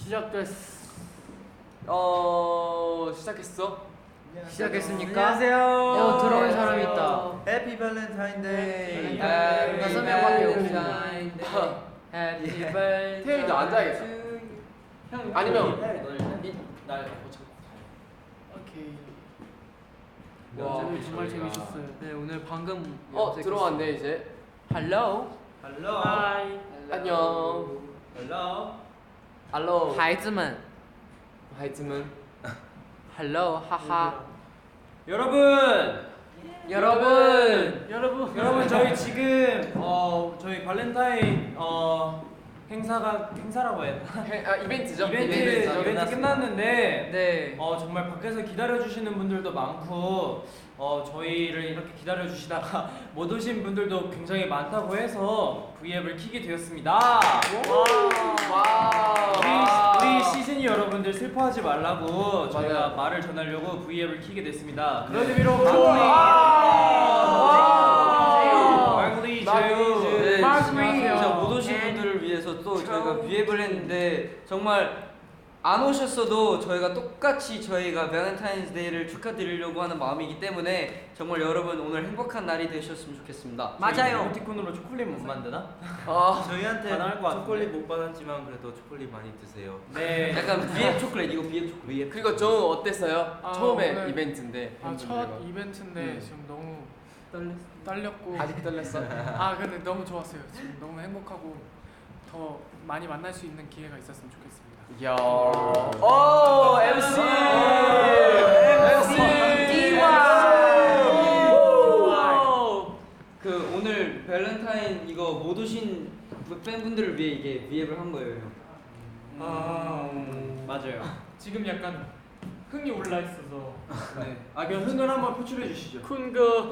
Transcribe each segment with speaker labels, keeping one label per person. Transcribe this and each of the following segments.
Speaker 1: 시작했어?
Speaker 2: 시작했습니까?
Speaker 3: 안녕하세요.
Speaker 2: 들어온 사람이 있다.
Speaker 3: 해피 발렌타인데이.
Speaker 2: 다섯 명밖에 없습니다. 해피 발렌타인.
Speaker 1: 태율이도 앉아야겠다. 아니면
Speaker 4: 날
Speaker 1: 오케이.
Speaker 2: 와,
Speaker 4: 정말 재밌었어요.
Speaker 2: 네, 오늘 방금
Speaker 1: 들어왔네 이제.
Speaker 2: Hello.
Speaker 4: Hello.
Speaker 1: 하이. 안녕.
Speaker 4: Hello.
Speaker 1: 알로.
Speaker 2: 孩子们
Speaker 1: 하이즈문.
Speaker 2: Hello. 하하.
Speaker 4: 여러분
Speaker 2: 여러분
Speaker 4: 저희 지금 저희 발렌타인 행사라고 해야 되나?
Speaker 1: 이벤트죠?
Speaker 4: 이벤트 끝났는데
Speaker 2: 네.
Speaker 4: 정말 밖에서 기다려 주시는 분들도 많고 저희를 이렇게 기다려 주시다가 못 오신 분들도 굉장히 많다고 해서 V앱을 키게 되었습니다. 우리 시즌이 여러분들 슬퍼하지 말라고 저희가 말을 전하려고 V앱을 키게 됐습니다. 그런 의미로 말글리
Speaker 5: 진짜 못 오신 분들을 위해서 또 저희가 V앱을 했는데 정말 안 오셨어도 저희가 똑같이 저희가 발렌타인스데이를 축하드리려고 하는 마음이기 때문에 정말 여러분 오늘 행복한 날이 되셨으면 좋겠습니다.
Speaker 4: 맞아요. 이모티콘으로 초콜릿 못 만드나?
Speaker 3: 저희한테
Speaker 4: 가능할 것 같은데.
Speaker 3: 초콜릿 못 받았지만 그래도 초콜릿 많이 드세요.
Speaker 4: 네.
Speaker 5: 약간 V앱 초콜릿 이거 V앱 초콜릿.
Speaker 1: 그리고 좀 어땠어요? 처음에
Speaker 6: 오늘-
Speaker 1: 이벤트인데.
Speaker 6: 첫 이벤트인데 지금 너무 떨렸고
Speaker 1: 아직 떨렸어?
Speaker 6: 근데 너무 좋았어요. 지금 너무 행복하고 더 많이 만날 수 있는 기회가 있었으면 좋겠습니다.
Speaker 1: 야. 오 MC.
Speaker 5: 그 오늘 발렌타인 이거 못 오신 팬분들을 위해 이게 V앱을 한 거예요.
Speaker 4: 맞아요.
Speaker 6: 지금 약간 흥이 올라 있어서
Speaker 4: 네. 그럼 흥을 한번 표출해 주시죠.
Speaker 1: 쿤거.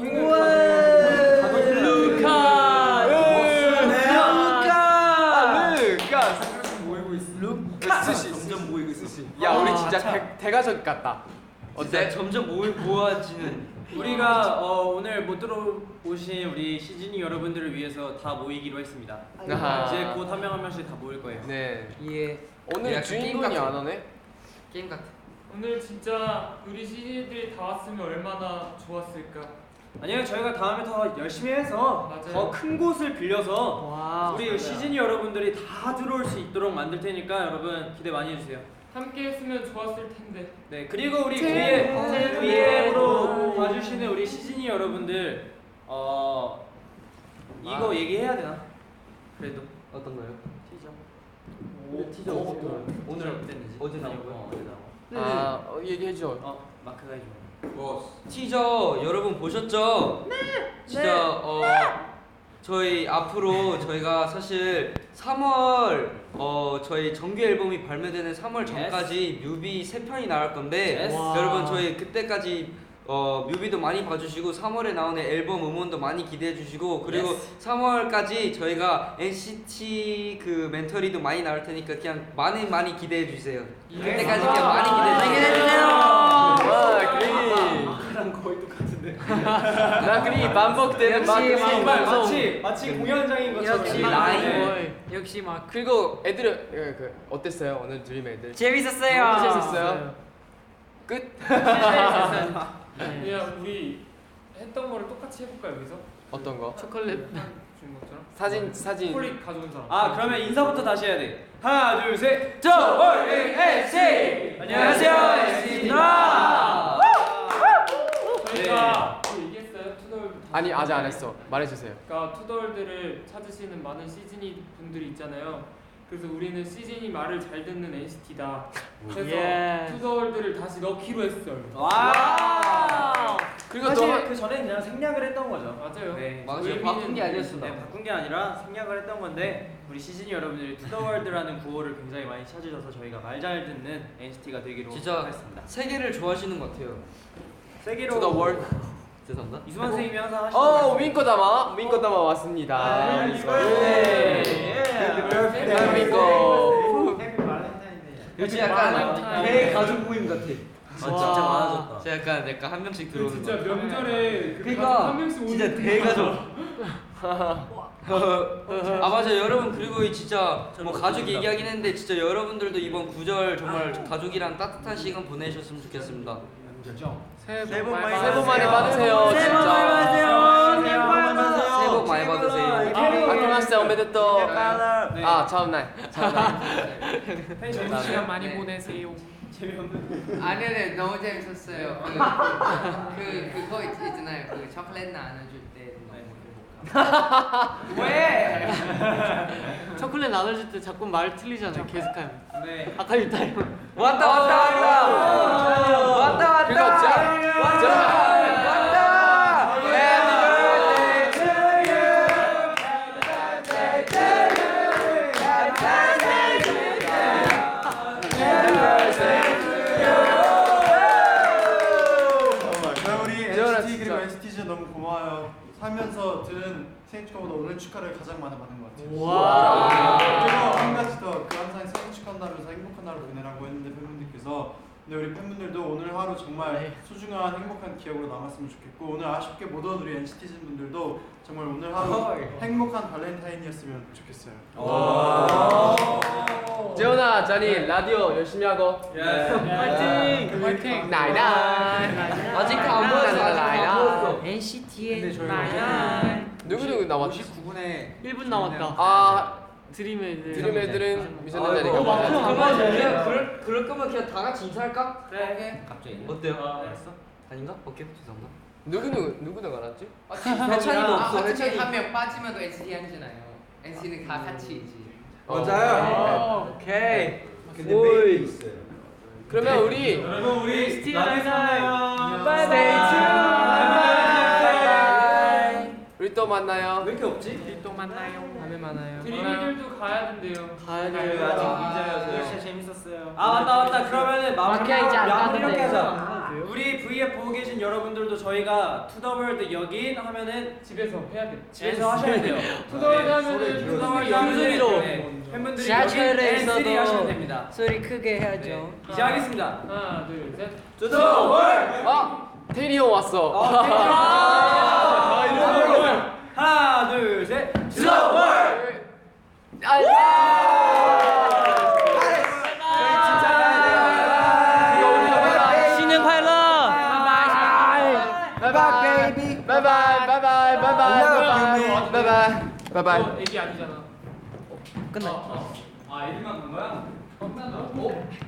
Speaker 1: 루카스.
Speaker 3: 모이고 있어. 점점 모이고 있어.
Speaker 1: 야 우리 진짜 대가족 같다.
Speaker 5: 어때? 점점 모아지는.
Speaker 4: 우리가 오늘 못 들어오신 우리 시즈니 여러분들을 위해서 다 모이기로 했습니다.
Speaker 1: 아하.
Speaker 4: 이제 곧 한 명 한 명씩 다 모일 거예요.
Speaker 1: 네.
Speaker 5: 예.
Speaker 1: 오늘
Speaker 5: 약간
Speaker 1: 주인공이
Speaker 5: 게임
Speaker 1: 안 오네.
Speaker 5: 게임 같아.
Speaker 6: 오늘 진짜 우리 시니들이 다 왔으면 얼마나 좋았을까.
Speaker 4: 아니요, 저희가 다음에 더 열심히 해서
Speaker 6: 맞아요.
Speaker 4: 더 큰 곳을 빌려서
Speaker 2: 와.
Speaker 4: 우리 시즈니 여러분들이 다 들어올 수 있도록 만들 테니까 여러분 기대 많이 해주세요.
Speaker 6: 함께 했으면 좋았을 텐데.
Speaker 4: 네, 그리고 우리 V앱으로 봐주시는 우리 시즈니 여러분들 이거 얘기해야 되나? 그래도
Speaker 5: 어떤 거요?
Speaker 4: 티저 오늘 어땠는지
Speaker 5: 어제 나온
Speaker 4: 거요? 어제 나온 거.
Speaker 1: 얘기해줘.
Speaker 4: 마크가 해줘.
Speaker 5: 티저 여러분 보셨죠? 네. 진짜 저희 앞으로 저희가 사실 3월 저희 정규 앨범이 발매되는 3월 전까지 뮤비 3편이 나올 건데
Speaker 4: Yes.
Speaker 5: 여러분 저희 그때까지 뮤비도 많이 봐주시고 3월에 나오는 앨범 음원도 많이 기대해 주시고 그리고 3월까지 저희가 NCT 그 멘토리도 많이 나올 테니까 그냥 많이 기대해 주세요. 그때까지 그냥 많이 기대해 주세요.
Speaker 1: 와 그리.
Speaker 4: 마크랑 거의 똑같은데.
Speaker 1: 나 그리 반복되는
Speaker 2: 역시
Speaker 1: 막 생방송.
Speaker 4: 마치 공연장인 것처럼.
Speaker 2: 역시
Speaker 4: 네.
Speaker 2: 라인. 역시 막
Speaker 1: 그리고 애들은 어땠어요 오늘 드림 애들?
Speaker 2: 재밌었어요.
Speaker 1: 재밌었어요. 끝.
Speaker 6: 그냥 우리 했던 거를 똑같이 해볼까 여기서?
Speaker 1: 어떤 거?
Speaker 6: 초콜릿 준 것처럼?
Speaker 1: 사진.
Speaker 6: 초콜릿 가져온 사람.
Speaker 4: 그러면 인사부터 다시 해야 돼. 하나, 둘, 셋.
Speaker 5: NCT!
Speaker 4: 안녕하세요, NCT입니다.
Speaker 6: 저희가 얘기했어요 투덜.
Speaker 1: 아니 아직 안 했어. 말해주세요.
Speaker 6: 그러니까 투덜들을 찾으시는 많은 시즈니 분들이 있잖아요. 그래서 우리는 시즈니 말을 잘 듣는 NCT다. 그래서
Speaker 2: 예.
Speaker 6: 투덜들을 다시 넣기로 했어요.
Speaker 4: 와.
Speaker 1: 그리고
Speaker 4: 사실
Speaker 1: 또
Speaker 4: 그 전에 그냥 생략을 했던 거죠.
Speaker 6: 맞아요.
Speaker 4: 네.
Speaker 5: 맞아요. 바꾼 게 아니었어.
Speaker 4: 네, 바꾼 게 아니라 생략을 했던 건데 우리 시즈니 여러분들이 투더월드라는 구호를 굉장히 많이 찾으셔서 저희가 말 잘 듣는 NCT가 되기로
Speaker 5: 진짜
Speaker 4: 했습니다.
Speaker 5: 세계를 좋아하시는 것 같아요.
Speaker 4: 세계로
Speaker 1: To the world.
Speaker 5: 죄송합니다.
Speaker 4: 이수만 선생님이 항상 하시는
Speaker 1: 윙코다마 왔습니다.
Speaker 4: 네.
Speaker 1: 윙코.
Speaker 3: 해피 발렌타인데이.
Speaker 5: 요즘 약간
Speaker 6: 발렌타인.
Speaker 5: 대가족 모임 같아.
Speaker 3: 진짜 많아졌다.
Speaker 5: 진짜 약간 한 명씩 들어오는
Speaker 6: 진짜
Speaker 5: 거.
Speaker 6: 명절에 그
Speaker 5: 그러니까
Speaker 6: 가족 한 명씩 오는
Speaker 5: 진짜
Speaker 6: 그
Speaker 5: 대가족. 아 맞아 여러분 그리고 이 진짜 뭐 가족 얘기하긴 했는데 진짜 여러분들도 이번 구절 정말 가족이랑 따뜻한 시간 보내셨으면 좋겠습니다.
Speaker 2: 새해 복 많이
Speaker 1: 새해 복 많이 받으세요.
Speaker 2: 새해 복 많이
Speaker 1: 진짜.
Speaker 2: 받으세요.
Speaker 5: 새해 복 많이 받으세요.
Speaker 1: 아키마스테 오메데또. 아 처음 날.
Speaker 2: 좋은 시간 많이 보내세요.
Speaker 7: 아니네 너무 재밌었어요. 그거 있잖아요. 그 초콜릿 나눠줄 때 너무 행복하고.
Speaker 2: 왜? 초콜릿 나눠줄 때 자꾸 말 틀리잖아요. 계속하면.
Speaker 4: 네.
Speaker 2: 아까 일단
Speaker 5: 왔다 왔다 왔다 왔다 왔다
Speaker 1: 그거 진짜.
Speaker 5: 왔다 왔다 Happy birthday to you.
Speaker 8: 정말 우리
Speaker 1: 재현아,
Speaker 8: NCT 그리고
Speaker 1: 진짜.
Speaker 8: NCT 너무 고마워요. 살면서 들은 생일 축하보다 오늘 축하를 가장 많이 받은 것 같아요.
Speaker 2: 와.
Speaker 8: 그리고 한 가지 더 그 항상 생일 축하한다면서 행복한 하루 보내라고 했는데 팬분들께서 근데 우리 팬분들도 오늘 하루 정말 소중한 행복한 기억으로 남았으면 좋겠고 오늘 아쉽게 못 온 우리 NCT 분들도 정말 오늘 하루 행복한 발렌타인이었으면 좋겠어요.
Speaker 1: 재훈아, 자니 라디오 열심히 하고.
Speaker 2: 화이팅! 화이팅!
Speaker 1: 나이나이.
Speaker 5: 아직 안 보였어 아직 안 보였어.
Speaker 2: NCT의 나야.
Speaker 1: 누구 남았지?
Speaker 4: 59분에
Speaker 2: 1분 남았다.
Speaker 1: 아
Speaker 2: 드림 애들.
Speaker 1: 드림 애들은 미션
Speaker 5: 아이고,
Speaker 1: 자리가
Speaker 5: 그러면
Speaker 1: 많아.
Speaker 5: 그냥 그럴 거면 그냥 다 같이 인사할까?
Speaker 7: 그래.
Speaker 3: 갑자기.
Speaker 5: 어때요? 아닌가? 오케이 죄송합니다.
Speaker 1: 누구 나갔지?
Speaker 5: 해찬이도 없어
Speaker 7: 어차피
Speaker 5: 해찬이.
Speaker 7: 한 명 빠지면 NCT 아니잖아요. NCT는 다 같이지.
Speaker 5: 맞아요. 오케이.
Speaker 3: 근데 메이도 있어요.
Speaker 1: 그러면 우리
Speaker 4: 여러분 우리
Speaker 2: NCT
Speaker 4: 만나요.
Speaker 1: 우리 또 만나요.
Speaker 4: 왜 이렇게 없지?
Speaker 2: 또 만나요.
Speaker 1: 다음에 만나요.
Speaker 6: 드림이들도 가야 된대요.
Speaker 2: 가야
Speaker 4: 네,
Speaker 2: 돼요.
Speaker 4: 아직
Speaker 3: 진짜 재밌었어요.
Speaker 4: 아 맞다 마무리
Speaker 2: 마키야 이제 안
Speaker 4: 마무리
Speaker 2: 가도
Speaker 4: 이렇게
Speaker 2: 돼요.
Speaker 4: 하자. 우리 V앱 보고 계신 여러분들도 저희가 투더월드 여긴 하면은
Speaker 6: 집에서 해야 돼.
Speaker 4: 집에서 하셔야 돼요.
Speaker 6: 투더월드 하면은
Speaker 4: 투더월드
Speaker 2: 영순이로.
Speaker 4: 팬분들이
Speaker 2: 지하철에
Speaker 4: 여긴 N3
Speaker 2: 있어도
Speaker 4: 하시면 됩니다.
Speaker 2: 소리 크게 해야죠.
Speaker 4: 네. 이제 하겠습니다.
Speaker 6: 하나, 둘, 셋.
Speaker 4: 투더월드.
Speaker 1: 아 테리 형 왔어.
Speaker 4: 하나 둘 셋. 투더월드.
Speaker 2: 신년快乐.
Speaker 1: 바이바이 베이비. 바이바이 바이바이 바이바이 바이바이 바이바이.
Speaker 6: 애기 아니잖아.
Speaker 2: 끝나.
Speaker 4: 아 이름만 간 거야? 끝났나?